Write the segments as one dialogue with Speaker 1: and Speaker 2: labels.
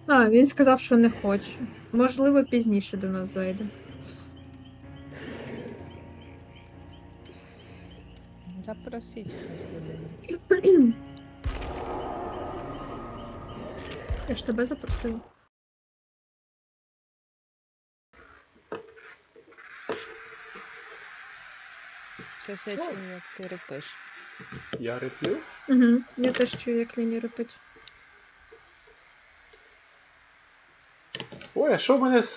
Speaker 1: А, він сказав, що не хоче. Можливо, пізніше до нас зайде.
Speaker 2: Запросіть хтось людину.
Speaker 1: Я ж тебе запросила.
Speaker 2: Щось я чую, як ти репиш.
Speaker 3: Я реплю?
Speaker 1: Угу. Я теж чую, як Лені репить.
Speaker 3: Ой, а що в мене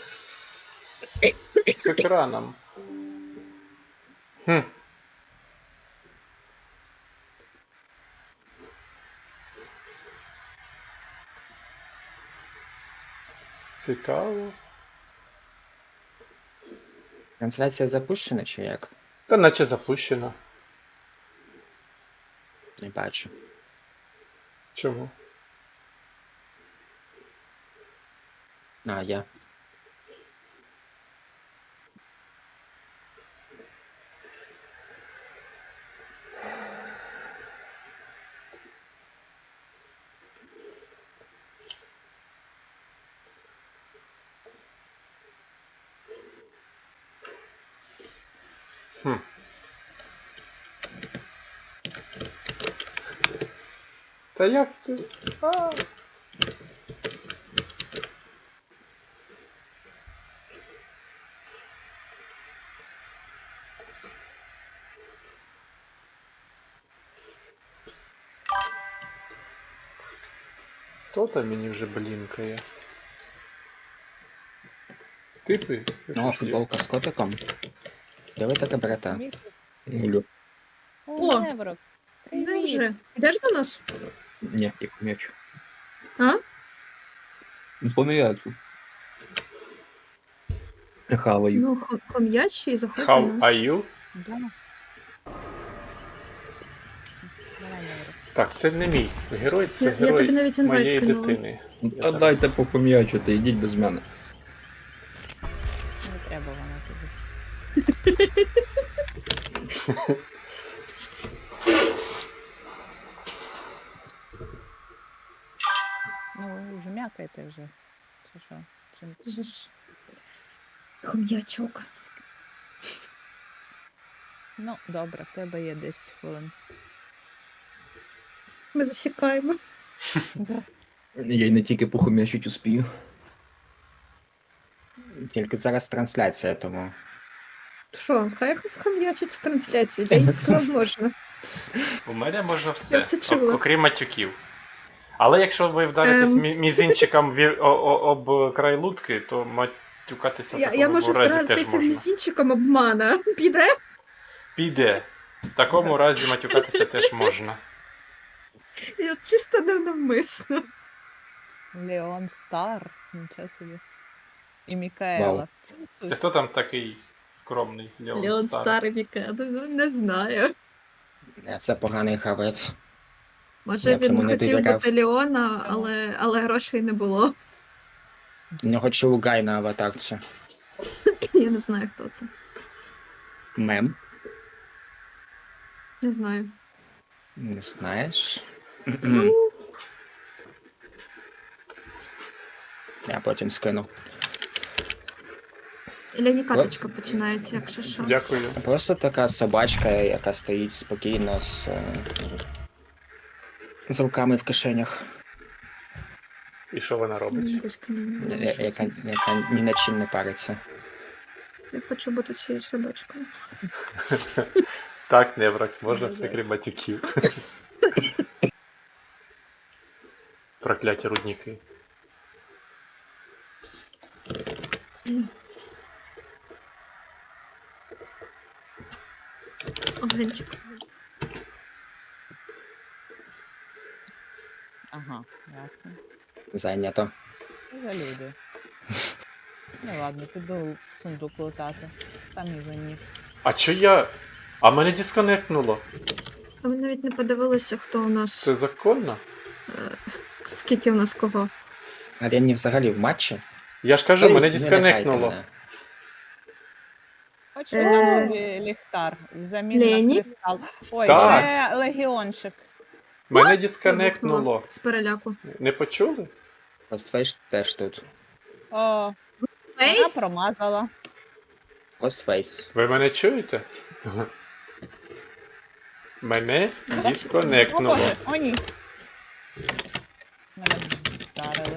Speaker 3: з екраном? Хм. Цікаво.
Speaker 4: Трансляція запущена чи як?
Speaker 3: Та наче запущено.
Speaker 4: Не бачу.
Speaker 3: Чому?
Speaker 4: А, я.
Speaker 3: Хм. Та як це? А. Хто там мені вже блінкає? Типи?
Speaker 4: О, футболка з котиком. Де ви таке берете? Гулю.
Speaker 1: О!
Speaker 2: Неврок.
Speaker 1: Де вже?
Speaker 2: Привіт.
Speaker 1: Йдеш до нас?
Speaker 4: Ні, як м'яч.
Speaker 1: А?
Speaker 4: Ну, поміяцу. Хаваю.
Speaker 1: Ну, хом'ячий, заходь до
Speaker 3: How
Speaker 1: нас.
Speaker 3: are you?
Speaker 2: Да. Давай, Неврок.
Speaker 3: Так, це не мій герой, це
Speaker 1: Я
Speaker 3: герой
Speaker 1: тобі навіть інвайт
Speaker 3: моєї
Speaker 1: кинула.
Speaker 3: дитини.
Speaker 4: А дайте похом'ячити, йдіть без мене.
Speaker 2: Не треба воно тобі. Ну, вже м'якайте вже. Чи що? Чим?
Speaker 1: Хом'ячок.
Speaker 2: Ну, добре, в тебе є 10 хвилин.
Speaker 1: Ми засікаємо.
Speaker 4: Я й не тільки похом'ячить успію. Тільки зараз трансляція, тому.
Speaker 1: Що, хай хом'ячить в трансляції. Я сказав, можна.
Speaker 3: У мене можна
Speaker 1: Я
Speaker 3: все,
Speaker 1: все чула.
Speaker 3: окрім матюків. Але якщо ви вдаритесь мізинчиком об край лутки, то матюкатися в
Speaker 1: Я
Speaker 3: такому
Speaker 1: можу
Speaker 3: разі теж
Speaker 1: втратитися
Speaker 3: можна.
Speaker 1: мізинчиком обмана. Піде?
Speaker 3: Піде. В такому разі матюкатися теж можна.
Speaker 1: Я чисто невмисно.
Speaker 2: Леон Стар. Нічого собі. І Мікаела.
Speaker 4: Вау.
Speaker 2: Чому
Speaker 3: Це
Speaker 2: суть?
Speaker 3: хто там такий скромний Леон
Speaker 1: Леон
Speaker 3: Стар?
Speaker 1: старий Мікадо, ну не знаю.
Speaker 4: Це поганий гравець.
Speaker 1: Може
Speaker 4: Я б
Speaker 1: він
Speaker 4: йому не
Speaker 1: хотів
Speaker 4: довіряв.
Speaker 1: бути Леона, але грошей не було.
Speaker 4: У нього Чулгай на аватарці.
Speaker 1: Я не знаю, хто це.
Speaker 4: Мем.
Speaker 1: Не знаю.
Speaker 4: Не знаєш?
Speaker 1: Ну,
Speaker 4: Я потім скину.
Speaker 1: Лені каточка починається, якщо що.
Speaker 3: Дякую.
Speaker 4: Просто така собачка, яка стоїть спокійно з руками в кишенях.
Speaker 3: І що вона робить?
Speaker 1: Батько не знає, що
Speaker 4: Яка
Speaker 1: це.
Speaker 4: ні над чим не париться.
Speaker 1: Я хочу бути цією собачкою.
Speaker 3: Так, Невракс, можна все крім матюків. Прокляті рудники.
Speaker 1: Огенчик.
Speaker 2: Ага, ясно.
Speaker 4: Зайнято.
Speaker 2: Що за люди? Ну ладно, піду сундук лутати. Самі винні.
Speaker 3: А чо я? А мене дисконектнуло.
Speaker 1: А ви навіть не подивилися, хто у нас.
Speaker 3: Це законно?
Speaker 1: Скільки у нас кого?
Speaker 4: А Ренні взагалі в матчі?
Speaker 3: Я ж кажу,
Speaker 4: Ей,
Speaker 3: мене
Speaker 4: не лякайте
Speaker 3: дисконектнуло.
Speaker 4: мене.
Speaker 2: Хочу
Speaker 1: Е,
Speaker 2: ліхтар взамін
Speaker 1: Лені?
Speaker 2: на кристал. Ой,
Speaker 3: Так.
Speaker 2: це легіончик.
Speaker 3: Мене
Speaker 1: Я
Speaker 3: дисконектнуло.
Speaker 1: бухнула з переляку.
Speaker 3: Не почули?
Speaker 4: Ghostface теж тут.
Speaker 2: О, вона
Speaker 1: Фейс?
Speaker 2: промазала.
Speaker 4: Ghostface.
Speaker 3: Ви мене чуєте? Мене
Speaker 2: О
Speaker 3: дисконектнуло.
Speaker 2: боже, о ні. Мене вдарили.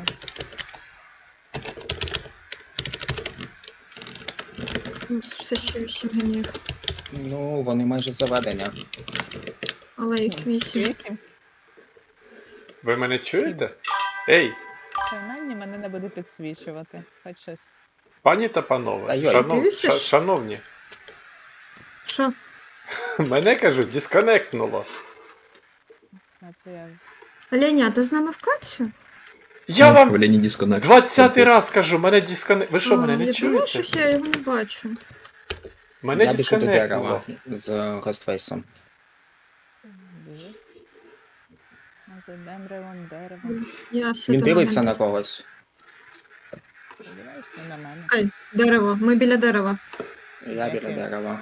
Speaker 1: Все ще 8 генів.
Speaker 4: Ну, вони майже заведення.
Speaker 1: Але їх 8.
Speaker 2: 8.
Speaker 3: Ви мене чуєте? Ей,
Speaker 2: Принаймні мене не буде підсвічувати. Хоч щось.
Speaker 3: пані та
Speaker 4: Та
Speaker 3: панове,
Speaker 4: йой,
Speaker 3: шанов...
Speaker 1: ти вісиш?
Speaker 3: шановні,
Speaker 1: Що?
Speaker 3: мене кажуть, дисконектнуло.
Speaker 2: А це я.
Speaker 1: Леня, а ти з нами в каці?
Speaker 3: Я вам
Speaker 5: Лені дисконект.
Speaker 3: 20-й раз кажу, мене дисконект. Ви що, мене
Speaker 1: А,
Speaker 3: не
Speaker 1: я думала,
Speaker 3: чуєте?
Speaker 1: що я його не бачу.
Speaker 3: Мене
Speaker 4: Я біжу до
Speaker 3: дисконектнуло.
Speaker 4: дерева з Ghostface'ом.
Speaker 2: Біжи. А за деревом.
Speaker 1: Я все
Speaker 4: Він
Speaker 1: до
Speaker 4: дивиться
Speaker 1: мене.
Speaker 4: на когось.
Speaker 2: Сподіваюсь, не на мене.
Speaker 1: Чекай, дерево, ми біля дерева.
Speaker 4: Я біля
Speaker 2: Яке?
Speaker 4: дерева.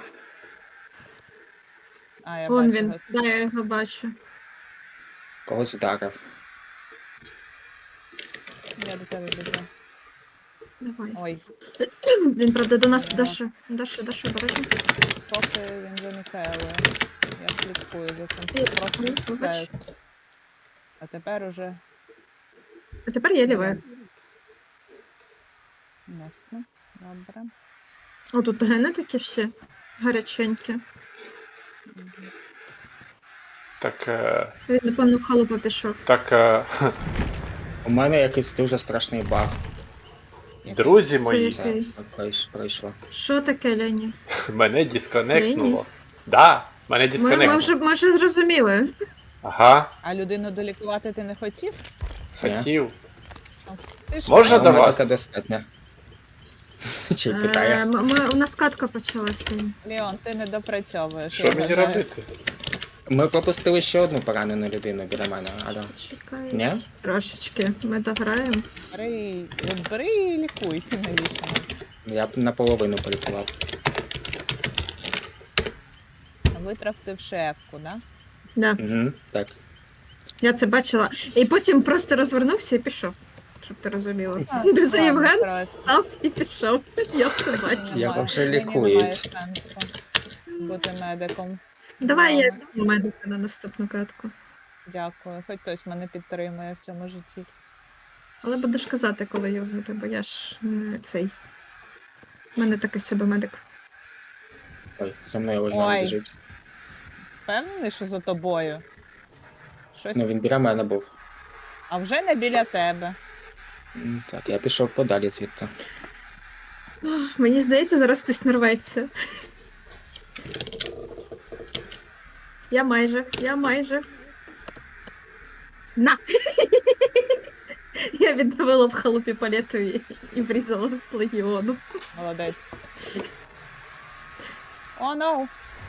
Speaker 2: А, я
Speaker 1: Вон
Speaker 2: бачу
Speaker 1: він,
Speaker 2: вас.
Speaker 1: да, я його бачу.
Speaker 4: Когось вдарив.
Speaker 2: Я до тебе біжу.
Speaker 1: Давай.
Speaker 2: Ой,
Speaker 1: Він, правда, до нас
Speaker 2: Ага.
Speaker 1: Даша, обережно.
Speaker 2: поки він заникає, але я слідкую за цим.
Speaker 1: Ні,
Speaker 2: Трохи
Speaker 1: ні, вибач.
Speaker 2: ТС. А тепер уже
Speaker 1: А тепер я ліве.
Speaker 2: ясно. Добре.
Speaker 1: О, тут гени такі всі гаряченькі.
Speaker 2: Мгм.
Speaker 3: Так,
Speaker 1: Він, напевно, в халупу пішов.
Speaker 4: У мене якийсь дуже страшний баг.
Speaker 3: друзі
Speaker 1: Це
Speaker 3: мої,
Speaker 1: який?
Speaker 4: Пройшло.
Speaker 1: Що таке, Лені?
Speaker 3: мене дисконектнуло.
Speaker 1: Лені?
Speaker 3: Да, мене
Speaker 1: Ми
Speaker 3: дисконектнуло.
Speaker 1: вже зрозуміли.
Speaker 3: Ага,
Speaker 2: А людину долікувати ти не хотів?
Speaker 3: хотів.
Speaker 2: Ти ж
Speaker 3: Можна
Speaker 4: А
Speaker 3: до
Speaker 4: у мене
Speaker 3: вас?
Speaker 4: це достатньо. Чи питає?
Speaker 1: У нас катка почалась, Лені.
Speaker 2: Леон, ти не допрацьовуєш.
Speaker 3: Що
Speaker 2: я
Speaker 3: мені
Speaker 2: вважаю.
Speaker 3: робити?
Speaker 4: Ми пропустили ще одну поранену людину біля мене. Алло.
Speaker 1: Чекай.
Speaker 4: Ні?
Speaker 1: Трошечки. Ми дограємо.
Speaker 2: Бери і лікуй, ти навіщо?
Speaker 4: Я б наполовину полікував.
Speaker 2: Витратив шепку, да?
Speaker 1: Да.
Speaker 4: Угу, так.
Speaker 1: Я це бачила. І потім просто розвернувся і пішов. Щоб ти розуміла. Це
Speaker 2: Ладно,
Speaker 1: Євген
Speaker 2: коротше,
Speaker 1: став і пішов. Я це бачу.
Speaker 4: Я
Speaker 2: немає-
Speaker 4: вже
Speaker 2: мені
Speaker 4: лікують.
Speaker 2: немає сенсу бути медиком.
Speaker 1: Давай я
Speaker 2: Ладно,
Speaker 1: візьму медика на наступну катку.
Speaker 2: Дякую. Хоч хтось мене підтримує в цьому житті.
Speaker 1: Але будеш казати, коли юзати, бо я ж цей. У мене такий собі медик.
Speaker 4: Ой, за мною ось
Speaker 2: Ой.
Speaker 4: біжить.
Speaker 2: Впевнений, що за тобою? Щось.
Speaker 4: Ну він біля мене був.
Speaker 2: А вже не біля тебе.
Speaker 4: Так, я пішов подалі звідти.
Speaker 1: Мені здається, зараз хтось нарветься. Я майже. На! Я відновила в халупі палету і врізала легіону.
Speaker 2: Молодець. О, ну.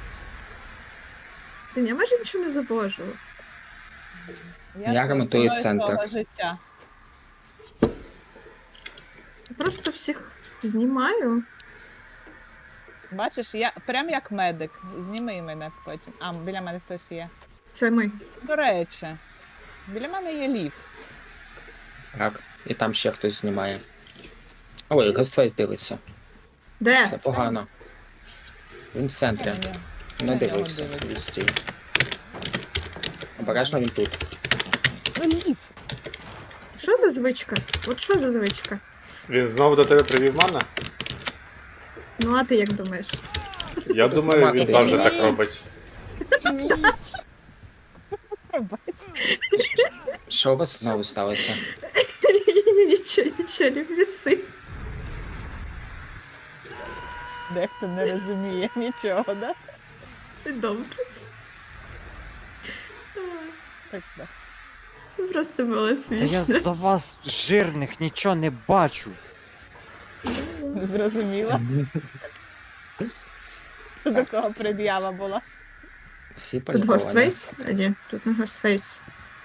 Speaker 1: Ти я майже нічого не завожу.
Speaker 4: Я ремонтую
Speaker 2: ціною
Speaker 4: центр.
Speaker 2: свого життя.
Speaker 1: Просто всіх знімаю.
Speaker 2: Бачиш, я прям як медик. Зніми мене потім. А, біля мене хтось є.
Speaker 1: Це ми.
Speaker 2: До речі, біля мене є ліфт.
Speaker 4: Так. І там ще хтось знімає. Ой, Ghostface дивиться.
Speaker 1: Де?
Speaker 4: Це погано. Він в центрі.
Speaker 2: На нього
Speaker 4: Не
Speaker 2: нього
Speaker 4: дивився.
Speaker 2: дивиться.
Speaker 4: Відстій. Обережно він тут.
Speaker 2: Ну, ліфт.
Speaker 1: Що за звичка? От що за звичка?
Speaker 3: Він знову до тебе привів мана?
Speaker 1: Ну, а ти як думаєш?
Speaker 3: Я думаю,
Speaker 4: нема
Speaker 3: він
Speaker 4: куди
Speaker 3: завжди
Speaker 2: йти.
Speaker 3: так робить.
Speaker 2: Пробач.
Speaker 4: Що у вас знову сталося?
Speaker 1: Нічого, не віси.
Speaker 2: Дехто не розуміє нічого, да?
Speaker 1: Добре.
Speaker 2: Так, да.
Speaker 1: Просто було
Speaker 5: Та
Speaker 1: смішно.
Speaker 5: я за вас жирних нічого не бачу.
Speaker 2: Не зрозуміла. Це до кого пред'ява була.
Speaker 4: Всі
Speaker 1: Тут
Speaker 4: поліковані.
Speaker 1: Ghostface? А ні, тут не Ghostface.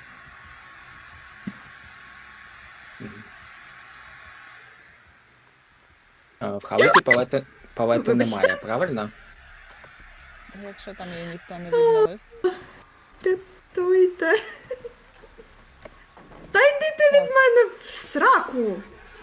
Speaker 4: В халупі палети
Speaker 1: Вибачте.
Speaker 4: немає, правильно?
Speaker 2: Якщо там її ніхто не відновив.
Speaker 1: Рятуйте. Та йди ти мене в сраку!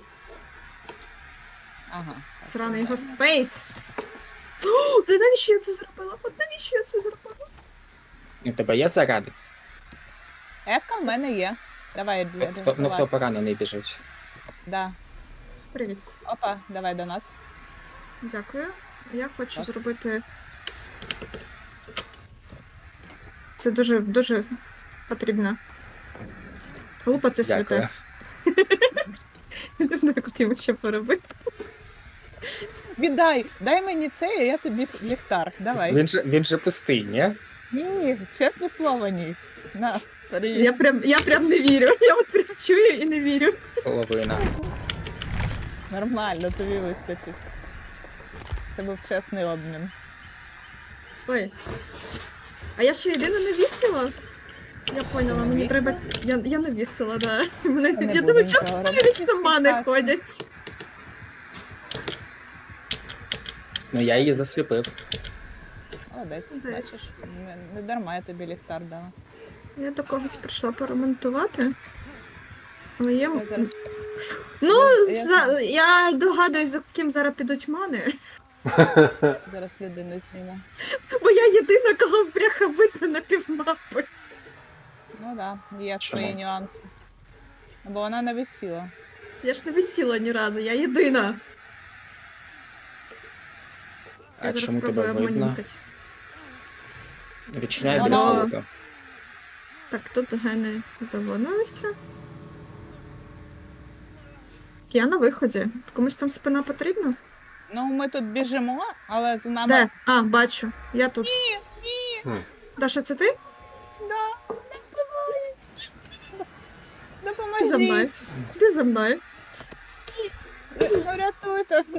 Speaker 2: Ага.
Speaker 1: Сраний гостфейс. О, це навіщо я це зробила? От навіщо я це зробила?
Speaker 4: У тебе є заради?
Speaker 2: Ефка в мене є. Давай,
Speaker 4: Хто, ну
Speaker 2: давай.
Speaker 4: хто поранений біжить?
Speaker 2: Да.
Speaker 1: Привіт.
Speaker 2: Опа, давай до нас.
Speaker 1: Дякую. Я хочу
Speaker 2: Так.
Speaker 1: зробити. Це дуже, дуже потрібно. Глупо це
Speaker 4: Дякую.
Speaker 1: святе. Не знаю, хотіла ще поробити.
Speaker 2: Віддай, дай мені це, а я тобі ліхтар. Давай.
Speaker 4: Він же пустий, ні?
Speaker 2: Ні, чесне слово, ні. На, привіт.
Speaker 1: Я прям не вірю. Я от прям чую і не вірю.
Speaker 4: Половина.
Speaker 2: Нормально, тобі вистачить. Це був чесний обмін.
Speaker 1: Ой. А я ще єдина не вісила? Я поняла,
Speaker 2: Не
Speaker 1: мені
Speaker 2: вісила?
Speaker 1: треба. Я не вісила, да. Мене...
Speaker 2: Та не
Speaker 1: Я
Speaker 2: будемо
Speaker 1: думаю,
Speaker 2: цього
Speaker 1: часто
Speaker 2: робити,
Speaker 1: вічно
Speaker 2: ці
Speaker 1: мани
Speaker 2: хаті.
Speaker 1: ходять.
Speaker 4: Ну я її засліпив.
Speaker 2: Молодець,
Speaker 1: Молодець.
Speaker 2: бачиш, не дарма я тобі ліхтар дала.
Speaker 1: Я до когось прийшла поремонтувати. Але є.
Speaker 2: Я зараз...
Speaker 1: Ну,
Speaker 2: Я-
Speaker 1: я догадуюсь, за ким зараз підуть мани.
Speaker 2: Зараз людину зніму.
Speaker 1: Бо я єдина, кого бляха видно на півмапи.
Speaker 2: Ну да, є
Speaker 4: Чому?
Speaker 2: свої нюанси. Бо вона не висіла.
Speaker 1: Я ж не висіла ні разу, я єдина.
Speaker 4: А
Speaker 1: Я зараз
Speaker 4: чому тебе
Speaker 1: спробую
Speaker 4: видно?
Speaker 1: обманюкати.
Speaker 4: Відчиняй
Speaker 2: Воно-
Speaker 4: дрібку.
Speaker 1: Так, тут гени заводилися. Я на виході. Комусь там спина потрібна?
Speaker 2: Ну, ми тут біжимо, але за нами.
Speaker 1: Де? А, бачу. Я тут.
Speaker 2: Ні,
Speaker 1: Даша, це ти?
Speaker 2: да,
Speaker 1: Ти за мною.
Speaker 2: допоможіть.
Speaker 1: Ти за мною.
Speaker 2: Ну, рятуйте.